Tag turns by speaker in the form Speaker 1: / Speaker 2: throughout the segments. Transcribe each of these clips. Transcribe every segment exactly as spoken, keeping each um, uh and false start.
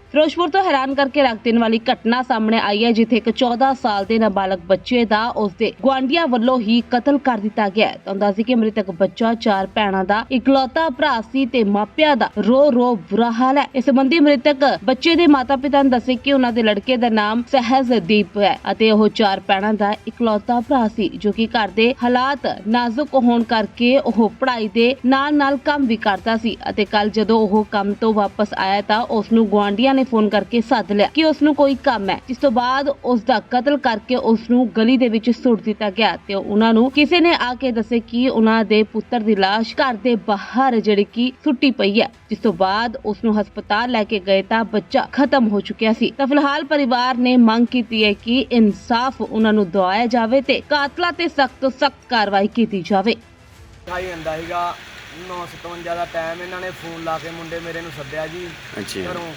Speaker 1: ਫਿਰੋਜ਼ਪੁਰ ਤੋਂ ਹੈਰਾਨ ਕਰਕੇ ਰੱਖ ਦੇਣ ਵਾਲੀ ਘਟਨਾ ਸਾਹਮਣੇ ਆਈ ਹੈ, ਜਿੱਥੇ ਇੱਕ ਚੌਦਾਂ ਸਾਲ ਦੇ ਨਾਬਾਲਗ ਬੱਚੇ ਦਾ ਉਸਦੇ ਗੁਆਂਢੀਆਂ ਵੱਲੋਂ ਹੀ ਕਤਲ ਕਰ ਦਿੱਤਾ ਗਿਆ ਹੈ। ਤਾਂ ਦੱਸੀ ਕਿ ਮ੍ਰਿਤਕ ਬੱਚਾ ਚਾਰ ਭੈਣਾਂ ਦਾ ਇਕਲੌਤਾ ਭਰਾ ਸੀ ਤੇ ਮਾਪਿਆਂ ਦਾ ਰੋ ਰੋ ਬੁਰਾ ਹਾਲ ਹੈ। ਇਸ ਸੰਬੰਧੀ ਮ੍ਰਿਤਕ ਬੱਚੇ ਦੇ ਮਾਤਾ-ਪਿਤਾ ਨੇ ਦੱਸਿਆ ਕਿ ਉਹਨਾਂ ਦੇ ਲੜਕੇ ਦਾ ਨਾਮ ਸਹਿਜਦੀਪ ਹੈ ਅਤੇ ਉਹ ਚਾਰ ਭੈਣਾਂ ਦਾ ਇਕਲੌਤਾ ਭਰਾ ਸੀ, ਜੋ ਕਿ ਘਰ ਦੇ ਹਾਲਾਤ ਨਾਜ਼ੁਕ ਹੋਣ ਕਰਕੇ ਉਹ ਪੜ੍ਹਾਈ ਦੇ ਨਾਲ-ਨਾਲ ਕੰਮ ਵੀ ਕਰਦਾ ਸੀ ਅਤੇ ਕੱਲ ਜਦੋਂ ਉਹ ਕੰਮ ਤੋਂ ਵਾਪਸ ਆਇਆ ਤਾਂ ਉਸ ਨੂੰ ਗੁਆਂਢੀਆਂ ਨੇ ਫੋਨ ਕਰਕੇ ਸੱਦ ਲਿਆ ਕਿ ਉਸ ਨੂੰ ਕੋਈ ਕੰਮ ਹੈ, ਜਿਸ ਤੋਂ ਬਾਅਦ ਉਸ ਦਾ ਕਤਲ ਕਰਕੇ ਉਸ ਨੂੰ ਗਲੀ ਦੇ ਵਿੱਚ ਸੁੱਟ ਦਿੱਤਾ ਗਿਆ ਤੇ ਉਹਨਾਂ ਨੂੰ ਕਿਸੇ ਨੇ ਆ ਕੇ ਦੱਸਿਆ ਕਿ ਉਹਨਾਂ ਦੇ ਪੁੱਤਰ ਦੀ ਲਾਸ਼ ਘਰ ਦੇ ਬਾਹਰ ਜਿਹੜੀ ਕਿ ਸੁੱਟੀ ਪਈ ਹੈ। ਜਿਸ ਤੋਂ ਬਾਅਦ ਉਸ ਨੂੰ ਹਸਪਤਾਲ ਲੈ ਕੇ ਗਏ ਤਾਂ ਬੱਚਾ ਖਤਮ ਹੋ ਚੁੱਕਿਆ ਸੀ। ਤਾਂ ਫਿਲਹਾਲ ਪਰਿਵਾਰ ਨੇ ਮੰਗ ਕੀਤੀ ਹੈ ਕਿ ਇਨਸਾਫ ਉਹਨਾਂ ਨੂੰ ਦਿਵਾਇਆ ਜਾਵੇ ਤੇ ਕਾਤਲਾਂ ਤੇ ਸਖਤ ਤੋਂ ਸਖਤ ਕਾਰਵਾਈ ਕੀਤੀ ਜਾਵੇ।
Speaker 2: ਖਾਈ ਜਾਂਦਾ ਸੀਗਾ ਨੌ ਸਤਵੰਜਾ ਦਾ ਟਾਈਮ, ਇਹਨਾਂ ਨੇ ਫੋਨ ਲਾ ਕੇ ਮੁੰਡੇ ਮੇਰੇ ਨੂੰ ਸੱਦਿਆ ਜੀ
Speaker 3: ਅੱਛਾ
Speaker 2: ਘਰੋਂ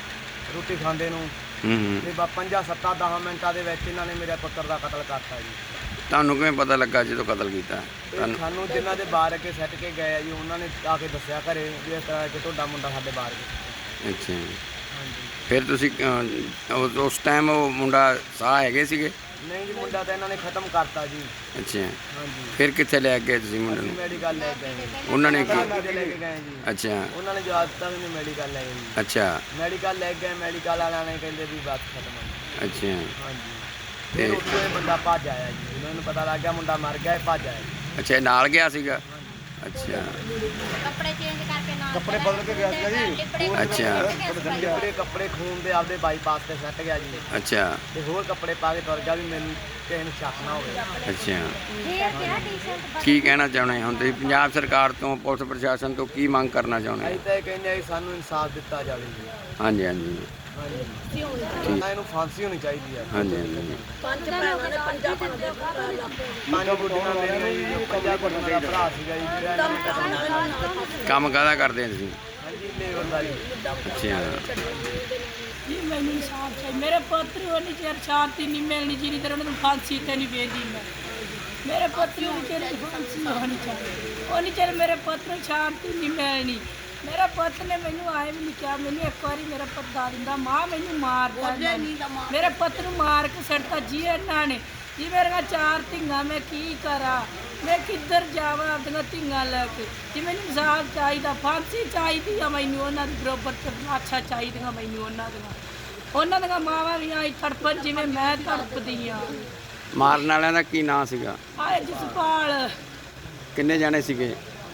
Speaker 2: ਰੋਟੀ ਖਾਂਦੇ ਨੂੰ
Speaker 3: ਹੂੰ ਹੂੰ
Speaker 2: ਤੇ ਬਾ ਪੰਜਾਂ ਸੱਤਾਂ ਦਸਾਂ ਮਿੰਟਾਂ ਦੇ ਵਿੱਚ ਇਹਨਾਂ ਨੇ ਮੇਰੇ ਪੁੱਤਰ ਦਾ ਕਤਲ ਕਰਤਾ ਜੀ।
Speaker 3: ਤੁਹਾਨੂੰ ਕਿਵੇਂ ਪਤਾ ਲੱਗਾ ਜਦੋਂ ਕਤਲ ਕੀਤਾ
Speaker 2: ਤੇ
Speaker 3: ਤੁਹਾਨੂੰ?
Speaker 2: ਸਾਨੂੰ ਜਿਨ੍ਹਾਂ ਦੇ ਬਾਹਰ ਅੱਗੇ ਸੱਟ ਕੇ ਗਏ ਆ ਜੀ, ਉਹਨਾਂ ਨੇ ਆ ਕੇ ਦੱਸਿਆ ਘਰੇ ਵੀ ਇਸ ਤਰ੍ਹਾਂ ਕਿ ਤੁਹਾਡਾ ਮੁੰਡਾ ਸਾਡੇ ਬਾਹਰ ਗਿਆ।
Speaker 3: ਅੱਛਾ
Speaker 2: ਹਾਂਜੀ
Speaker 3: ਫਿਰ ਤੁਸੀਂ ਅਹ, ਉਸ- ਉਸ ਟਾਈਮ ਉਹ ਮੁੰਡਾ ਸਾਹ ਹੈਗੇ ਸੀਗੇ?
Speaker 2: ਨਹੀਂ ਜੀ, ਮੁੰਡਾ ਤਾਂ ਇਹਨਾਂ ਨੇ ਖਤਮ ਕਰਤਾ ਜੀ।
Speaker 3: ਅੱਛਾ
Speaker 2: ਹਾਂਜੀ,
Speaker 3: ਫਿਰ ਕਿੱਥੇ ਲੈ ਗਏ ਤੁਸੀਂ ਮੁੰਡੇ
Speaker 2: ਅਸੀਂ
Speaker 3: ਨੂੰ?
Speaker 2: ਮੈਡੀਕਲ ਲੈ ਕੇ ਗਏ ਜੀ।
Speaker 3: ਉਹਨਾਂ ਨੇ ਕੀ
Speaker 2: ਕਿਤੇ ਲੈ ਕੇ ਗਏ ਜੀ,
Speaker 3: ਅੱਛਾ
Speaker 2: ਉਹਨਾਂ ਨੇ ਜਵਾਬ ਦਿੱਤਾ ਵੀ ਮੈਡੀਕਲ ਲੈ ਗਏ ਜੀ।
Speaker 3: ਅੱਛਾ
Speaker 2: ਮੈਡੀਕਲ ਲੈ ਗਏ, ਮੈਡੀਕਲ ਵਾਲਿਆਂ ਨੇ ਕਹਿੰਦੇ ਵੀ ਬਸ ਖਤਮ ਹੋ ਗਿਆ।
Speaker 3: ਅੱਛਾ
Speaker 2: ਹਾਂਜੀ,
Speaker 3: ਤੇ
Speaker 2: ਤੇ ਉੱਥੋਂ ਇਹ ਬੰਦਾ ਭੱਜ ਆਇਆ ਜੀ। ਉਹਨਾਂ ਨੂੰ ਪਤਾ ਲੱਗ ਗਿਆ ਮੁੰਡਾ ਮਰ ਗਿਆ, ਇਹ ਭੱਜ ਆਇਆ ਜੀ।
Speaker 3: ਅੱਛਾ ਇਹ ਨਾਲ ਗਿਆ ਸੀਗਾ? ਅੱਛਾ
Speaker 4: ਕੱਪੜੇ ਚੇਂਜ ਕਰਕੇ ਨਾਲ
Speaker 2: ਕੱਪੜੇ ਬਦਲ ਕੇ ਗਿਆ ਸੀਗਾ ਜੀ।
Speaker 3: ਅੱਛਾ
Speaker 2: ਕੱਪੜੇ ਕੱਪੜੇ ਖੂਨ ਦੇ ਆਪਦੇ ਬਾਈਪਾਸ ਤੇ ਸੱਟ ਗਿਆ ਜੀ,
Speaker 3: ਅੱਛਾ
Speaker 2: ਤੇ ਹੋਰ ਕੱਪੜੇ ਪਾ ਕੇ ਤੁਰ ਗਿਆ ਵੀ ਮੈਨੂੰ ਕਿਸੇ ਨੂੰ ਸ਼ੱਕ ਨਾ ਹੋਵੇ।
Speaker 3: ਅੱਛਾ
Speaker 4: ਫੇਰ ਕਿਹਾ ਟੀ-ਸ਼ਰਟ
Speaker 3: ਕੀ ਕਹਿਣਾ ਚਾਹੁੰਦੇ ਹੁਣ ਤੁਸੀਂ ਪੰਜਾਬ ਸਰਕਾਰ ਤੋਂ, ਪੁਲਿਸ ਪ੍ਰਸ਼ਾਸਨ ਤੋਂ ਕੀ ਮੰਗ ਕਰਨਾ ਚਾਹੁੰਦੇ
Speaker 2: ਅਸੀਂ
Speaker 3: ਹੋ?
Speaker 2: ਤਾਂ ਇਹ ਕਹਿੰਦੇ ਆ ਵੀ ਸਾਨੂੰ ਇਨਸਾਫ ਦਿੱਤਾ ਜਾਵੇ ਜੀ।
Speaker 3: ਹਾਂਜੀ ਹਾਂਜੀ
Speaker 2: ਹਾਂਜੀ, ਨਾ ਇਹਨੂੰ ਫਾਂਸੀ ਹੋਣੀ ਚਾਹੀਦੀ ਆ।
Speaker 3: ਹਾਂਜੀ ਹਾਂਜੀ
Speaker 2: ਪੰਜ ਗੁੱਡੀਆਂ ਮੇਰੀਆਂ ਜੀ, ਜੋ ਪੰਜਾਂ ਗੁੱਡੀਆਂ ਦਾ ਭਰਾ ਸੀਗਾ ਜੀ, ਜਿਹੜਾ ਇਹਨਾਂ ਨੇ ਕਤਲ ਕੀਤਾ।
Speaker 3: ਕੰਮ ਕਾਹਦਾ ਕਰਦੇ ਆ ਤੁਸੀਂ?
Speaker 2: ਹਾਂਜੀ, ਲੇਬਰ ਦਾ ਜੀ।
Speaker 3: ਅੱਛਾ
Speaker 5: ਜੀ ਮੈਨੂੰ ਇਨਸਾਫ ਚਾਹੀਦਾ। ਮੇਰੇ ਪੁੱਤਰ ਨੂੰ ਉਨੀ ਚਿਰ ਸ਼ਾਂਤੀ ਨਹੀਂ ਮਿਲਣੀ ਜਿੰਨੀ ਦੇਰ ਉਹਨਾਂ ਨੂੰ ਫਾਂਸੀ ਤੇ ਨਹੀਂ ਵੇਚਦੀ। ਮੈਂ ਮੇਰੇ ਪੁੱਤਰ ਨੂੰ ਉਨੀ ਚਿਰ ਫਾਂਸੀ ਹੋਣੀ ਚਾਹੀਦੀ, ਉਨੀ ਚਿਰ ਮੇਰੇ ਪੁੱਤਰ ਨੂੰ ਸ਼ਾਂਤੀ ਨਹੀਂ ਮਿਲਣੀ। ਮੇਰੇ ਪੁੱਤ ਨੇ ਮੈਨੂੰ ਆਏ ਵੀ ਨਹੀਂ ਕਿਹਾ, ਮੈਨੂੰ ਇੱਕ ਵਾਰੀ ਮੇਰਾ ਪੁੱਤ ਦਾ ਦਿੰਦਾ ਮਾਂ ਮੈਨੂੰ ਮਾਰਦਾ, ਮੇਰੇ ਪੁੱਤ ਨੂੰ ਮਾਰ ਕੇ ਸੜਤਾ ਜੀ ਇਹਨਾਂ ਨੇ ਜੀ। ਮੇਰੀਆਂ ਚਾਰ ਧੀਆਂ, ਮੈਂ ਕੀ ਕਰਾਂ, ਮੈਂ ਕਿੱਧਰ ਜਾਵਾਂ ਆਪਣੀਆਂ ਧੀਆਂ ਲੈ ਕੇ ਜੀ। ਮੈਨੂੰ ਇਨਸਾਫ ਚਾਹੀਦਾ, ਫਾਂਸੀ ਚਾਹੀਦੀ ਆ ਮੈਨੂੰ, ਉਹਨਾਂ ਦੀ ਬਰੋਬਰ ਤਲਾਸ਼ਾਂ ਚਾਹੀਦੀਆਂ ਮੈਨੂੰ ਉਹਨਾਂ ਦੀਆਂ। ਉਹਨਾਂ ਦੀਆਂ ਮਾਵਾਂ ਵੀ ਆਈ ਤੜਪਣ ਜਿਵੇਂ ਮੈਂ ਤੜਪਦੀ ਆ।
Speaker 3: ਮਾਰਨ ਵਾਲਿਆਂ ਦਾ ਕੀ ਨਾਂ ਸੀਗਾ?
Speaker 5: ਆਏ ਜਸਪਾਲ,
Speaker 3: ਕਿੰਨੇ ਜਾਣੇ ਸੀਗੇ?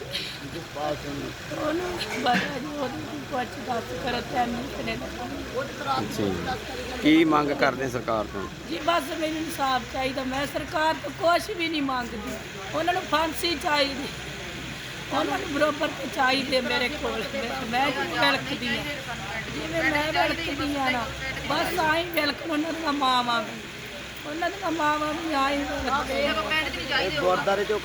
Speaker 5: ਉਹਨੂੰ ਪਤਾ ਜੀ, ਉਹਨੂੰ ਕੁਛ ਦੱਸ ਕਰ ਤੈਨੂੰ ਕਿਨੇ
Speaker 3: ਅੱਛਾ ਜੀ। ਕੀ ਮੰਗ ਕਰਦੇ ਸਰਕਾਰ ਤੋਂ?
Speaker 5: ਜੀ ਬਸ ਮੈਨੂੰ ਇਨਸਾਫ ਚਾਹੀਦਾ। ਮੈਂ ਸਰਕਾਰ ਤੋਂ ਕੁਛ ਵੀ ਨਹੀਂ ਮੰਗਦੀ, ਉਹਨਾਂ ਨੂੰ ਫਾਂਸੀ ਚਾਹੀਦੀ, ਉਹਨਾਂ ਨੂੰ ਬਰੋਬਰ ਤੇ ਚਾਹੀਦੇ ਮੇਰੇ ਕੋਲ। ਮੈਂ ਜੀ ਵਿਲਕਦੀ ਹਾਂ, ਜਿਵੇਂ ਮੈਂ ਵਿਲਕਦੀ ਹਾਂ ਨਾ, ਬਸ ਆਈ ਵਿਲਕਣ ਉਹਨਾਂ ਦੀਆਂ ਮਾਵਾਂ ਵੀ, ਉਹਨਾਂ ਦੀਆਂ ਮਾਵਾਂ ਵੀ ਆਈ ਵਿਲਕਦੇ।
Speaker 2: ਗੁਰਦਾਰੇ ਚੋਂ